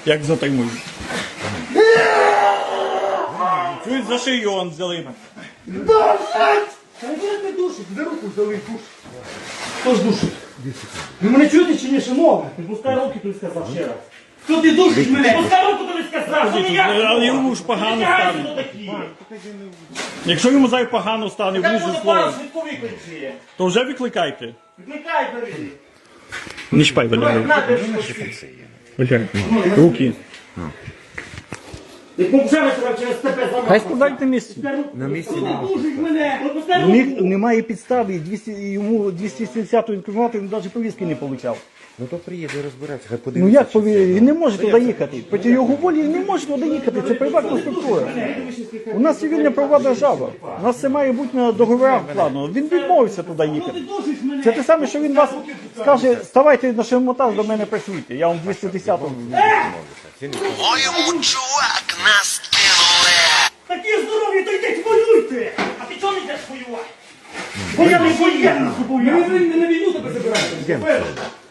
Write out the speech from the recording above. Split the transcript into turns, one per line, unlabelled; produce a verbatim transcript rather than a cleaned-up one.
Як затримують. Чують за шию он взяли.
Душить! Та ніхто не душить, за руку взяли душ. Хто ж душить? Ви мене чуєте чи ні, шановне?
Пускай руки, ти сказав ще раз.
Хто ти душить мене?
Пускай руку, тобі сказав, що ніяк.
Але йому ж погано стане. Якщо йому зай погано стане,
Як
влізе
буде
слово,
пара швидко викличе?
то вже викликайте.
Викликай, бери.
Не чіпай, Валяю. Валяю. Руки.
Як ми вже тебе через тебе замовили.
Хай складайте місце.
На місці не душить мене!
Пускай
У
руку.
них немає підстави, і двісті, йому двісті сімдесят інкримінувати, він навіть повістки не отримав.
Ну то приїде розбиратися, хай
Ну
подивиться.
як повірити? Він не може туди їхати. Проти його волі він не може туди їхати. Це приватна структура. У нас цивільна правова держава. У нас це має бути на договорах плану. Він відмовився туди їхати. Це те саме, що він вас скаже, ставайте на шемотаж до мене працюйте. Я вам двісті десятого.
Моєму чувак нас кинули.
Такі здорові, то йдіть воюйте. А ти чого не йдеш воювати? Бо я не воєнний,
Ми на війну тебе забираємо.